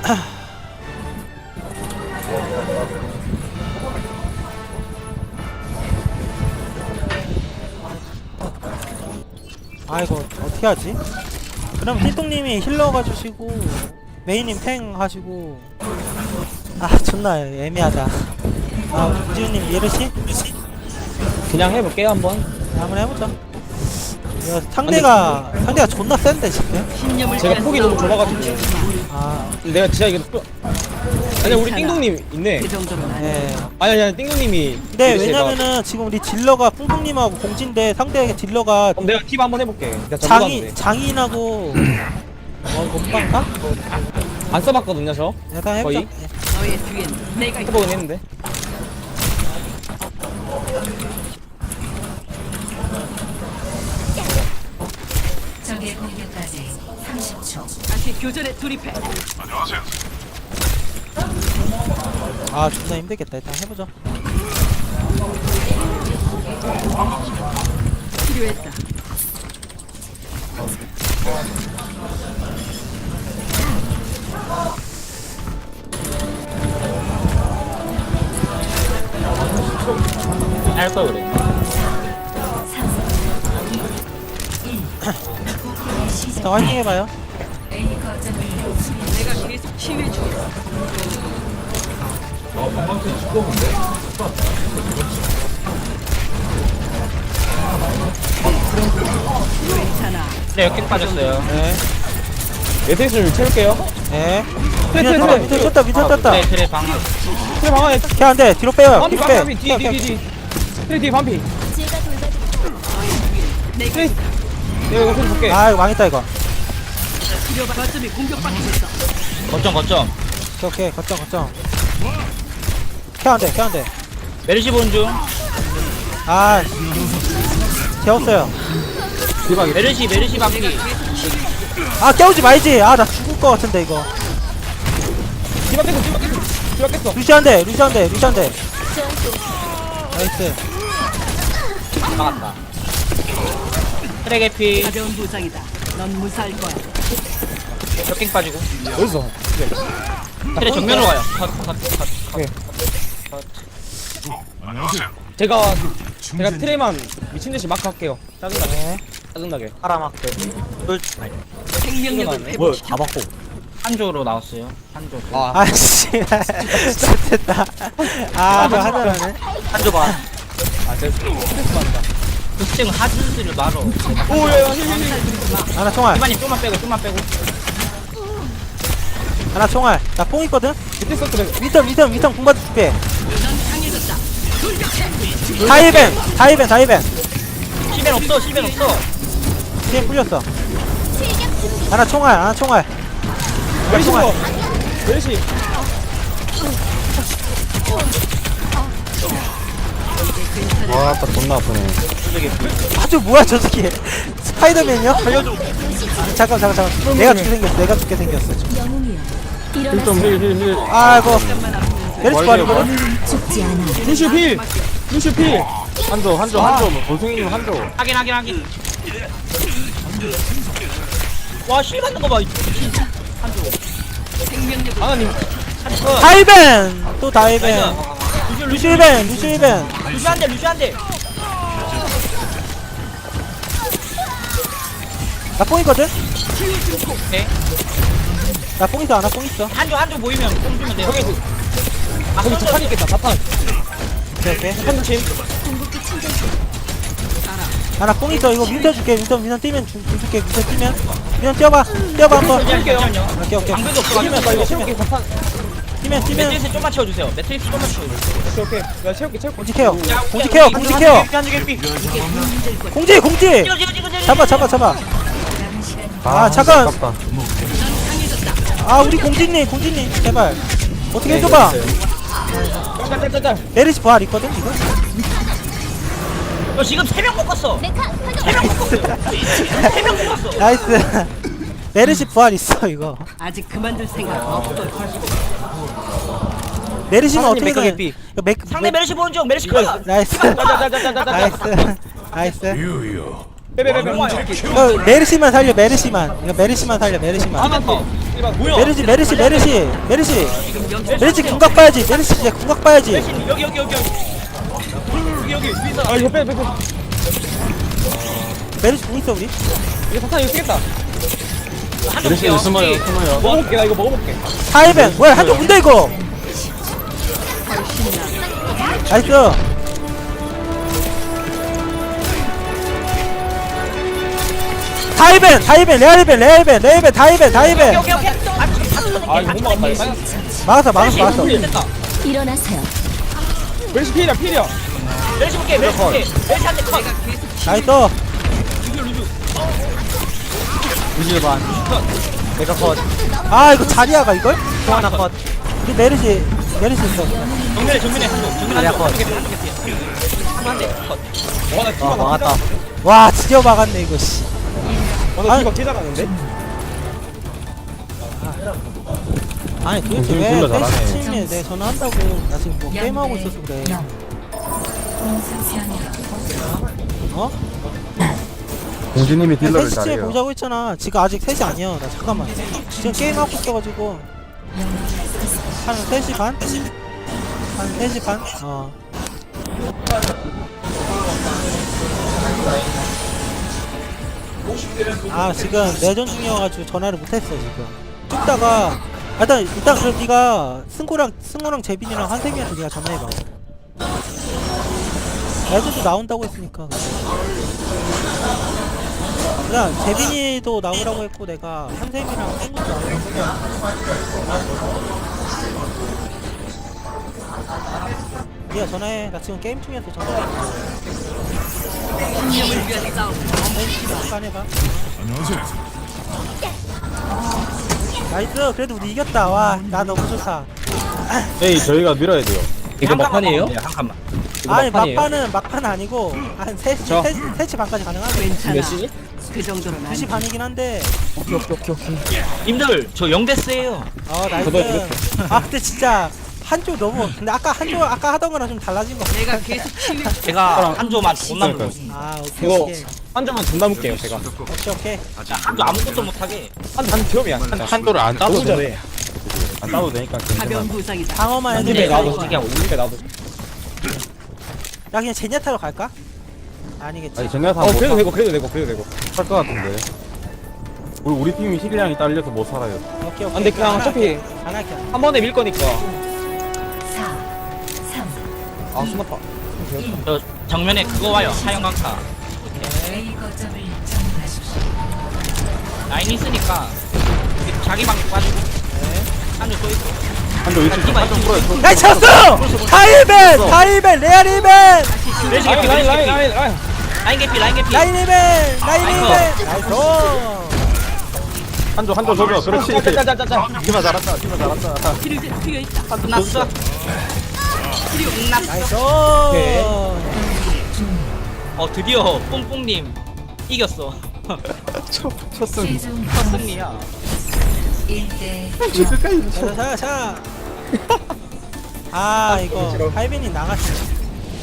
아 이거 어떻게 하지? 그럼 띠똥님이 힐러 가주시고 메이님 탱 하시고. 아 존나 애매하다. 아 우지우님 예르시? 그냥 해볼게요 한번. 한번 해보자. 이거 상대가 존나 센데 지금. 제가 폭이 너무 좁아가지고. 아 내가 진짜 이거 아니 우리 띵동님 있네. 네. 아니 띵동님이. 근데 왜냐면은 지금 우리 딜러가 뿡뿡님하고 공진데 상대 딜러가 그럼 내가 팁 한번 해볼게. 내가 전부 장인하고 뭔가? 안 써봤거든요 저. 일단 해보자. 거의? 해보긴 했는데. 적의 공격까지 30초. 다시 교전에 돌입해. 아 존나 힘들겠다. 일단 해보자. 필요했다. 할걸 그래. 자 화이팅 해봐요. A 거점을 내가 계속 치유해 주겠어. 괜찮아. 네 역행 빠졌어요. 네. 메테리스를 채울게요. 네. 트레. 밑에 쳤다. 네 트레 방. 트레 방 안에. 걔 안돼. 뒤로 빼요. 반피 뒤로 빼. 반피 뒤. 트레 뒤 반피. 트레. 내가 이거 좀 볼게. 아 이거 망했다 이거. 치료가 거점이 공격받고 있어. 거점 오케이 거점. 걔 안돼. 메르시 보는 중. 아 재웠어요. 메르시 방귀. 아 깨우지 말지. 아 나 죽을 것 같은데 이거. 디바 깼어. 루시안데. 나이스. 막았다. 트랙 에피. 가벼운 부상이다. 넌 무사할 거야. 역행 빠지고. 어디서? 트랙 정면으로 가요. 제가 트레만 미친 듯이 마크 할게요. 짜증나게. 파라마크. 생명력을 회복. 다 받고. 한조로 나왔어요. 한조. 아씨. 좋됐다. 아 저 하자라네. 한조 봐. 제가 스트레스 받는다. 그쯤 하즈를 말어. 오야. 하나 총알. 이만님 좀만 빼고. 하나 총알. 나 뽕 있거든. 밑에 서클. 위턴 공받아 줄게. 넌 강해졌다. 다이벤. 시벤 없어. 뒤에 풀렸어. 하나 총알. 메르시. 와, 딱 존나 아프네. 아주 뭐야 저 새끼. 스파이더맨이요? 살려줘. 잠깐. 내가 죽게 생겼어 지금. 힐. 아이고. 메르시 버리거든. 루슈 필. 한조. 원숭이님 한조. 확인. 와, 실 받는 거 봐. 생명력을 하나님. 다이벤. 또 다이벤. 루시벤. 루시한데. 나 뽕 있거든. 네. 나 뽕 있어. 하나 뽕 있어. 한조 보이면 뽕 주면 돼요. 거기 자판 있겠다. 자판. 오케이. 자판 침. 하나 뽕 있어. 이거 민터 줄게. 민터 뛰면 줄게. 민터 뛰어봐 한번. 잠시만요. 오케이. 방벽이 없어가지고. 나 이거 채울게. 자판. 뛰면. 매트리스 좀만 채워주세요. 매트리스 좀만 채워주세요. 오케이. 내가 채울게. 공지 케어. 공지. 잡아. 아 잠깐. 아 우리 공지님 제발 어떻게 해줘봐. 짤. 메르시 부활 있거든 지금. 너 지금 3명 묶었어. 3명 묶었어. 나이스. 메르시 부활 있어 이거. 아직 그만둘 생각 없어. 메르시는 하나님 어떻게든 맥가게피. 상대 메르시 보는 중. 메르시 커. 나이스. 빼빼빼빼. 이거 메르시만 살려. 이거 메르시만 살려. 하나 더. 뭐야? 메르시 메르시 메르시 메르시 지금 영 메르시 궁각 봐야지. 메르시 이제 궁각 봐야지. 여기 위에서. 아 이거 빼. 메르시 궁 있어 우리. 이거 사탄 이거 쓰겠다. 한쪽 볼게요. 숨어요. 먹어볼게 나 이거 먹어볼게. 타이벤 뭐야 한쪽 뭔데 이거. 나이스. 타이벤 레알벤 타이벤 오케이. 아 이거 못 막았다. 이거 막았어. 됐다. 일어나세요. 멜시 필이야. 멜시 볼게. 멜시 한대 컷. 나이스. 루시오 반. 내가 컷. 아 이거 자리야가 이걸? 또 하나 컷. 우리 메르시 있어. 정면에 한쪽. 자리야 컷. 한대 컷. 와나 아 디바 막았다. 와 드디어 막았네 이거 씨. 와나 디바 개 잘하는데? 아니 도대체 공중 왜 딜러 잘하네. 패시 팀에 내 전화한다고. 나 지금 뭐 게임하고 있어서 그래. 어? 공주님이 딜러를 패시 팀에 잘해요. 보자고 했잖아. 지금 아직 3시 아니야. 나 잠깐만. 지금 게임하고 있어가지고 한 3시 반? 한 3시 반? 어. 아 지금 내전 중이어가지고 전화를 못했어 지금. 찍다가 일단 그럼 네가 승호랑 재빈이랑 한세민한테 네가 전화해봐. 내전도 나온다고 했으니까. 그냥 재빈이도 나오라고 했고 내가 한세민이랑 승호도 나오라고 했고. 네가 전화해. 나 지금 게임 중이어서 전화해. 운명을 위한 싸움. 잠깐 해봐. 나이스. 그래도 우리 이겼다. 와, 나 너무 좋다. 에이 저희가 밀어야 돼요. 이거 막판이에요? 한 칸만. 이거 아니 막판이에요? 막판 아니고 한 3시 저. 3시 반까지 가능하네. 괜찮아. 몇 시지? 그 정도는 아니. 2시 반이긴 한데. 오케이. 님들 저 0데스예요. 나이스. 저도 이렇게. 아 근데 진짜 한조 너무. 근데 아까 하던 거랑 좀 달라진 거. 내가 계속 치유. 제가 한조만 돈 남고 있습니다. 아 오케이 이거 오케이 한 점만 돈 남을게요 제가. 오케이. 한조 아무것도 못하게. 한 점이야. 진짜. 한도를 안 따도 너무 잘해. 안 따도 되니까 가벼운 괜찮아. 부상이다. 방어만 근데 해도 나도 돼. 그냥 올리게 나도. 야 그냥 제냐타로 갈까? 아니겠지. 아니 정리하다 그래도 못할 되고. 것 같은데. 우리 팀이 힐량이 딸려서 못 살아요. 오케이 오케이. 근데 그냥 안 어차피 할게. 안 할게. 한 번에 밀 거니까. 4, 3, 아 숨었다. 저 정면에 그거 와요. 사형 강타. A 거점을 점령하십시오. 라인 있으니까 자기 방 빠지고. 한조 또 있고. 한도 위치 좀 한점 풀어요. 나이 쳤어! 타이벤 레알 이벤 멜시 라인. 라인 개피. 라인 이벤 나이스. 한조 줘줘. 그렇지. 짜짜짜짜. 디바 잘한다. 치료제 필요 있다. 끝났어. 나이스. 드디어 뽕뽕님 이겼어. 쳤음. 최종 승리야. 1대 끝까지 자. 아 이거 하이벤이 나갔어.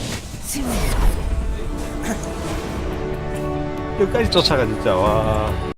승리. 끝까지 쫓아가 진짜 와.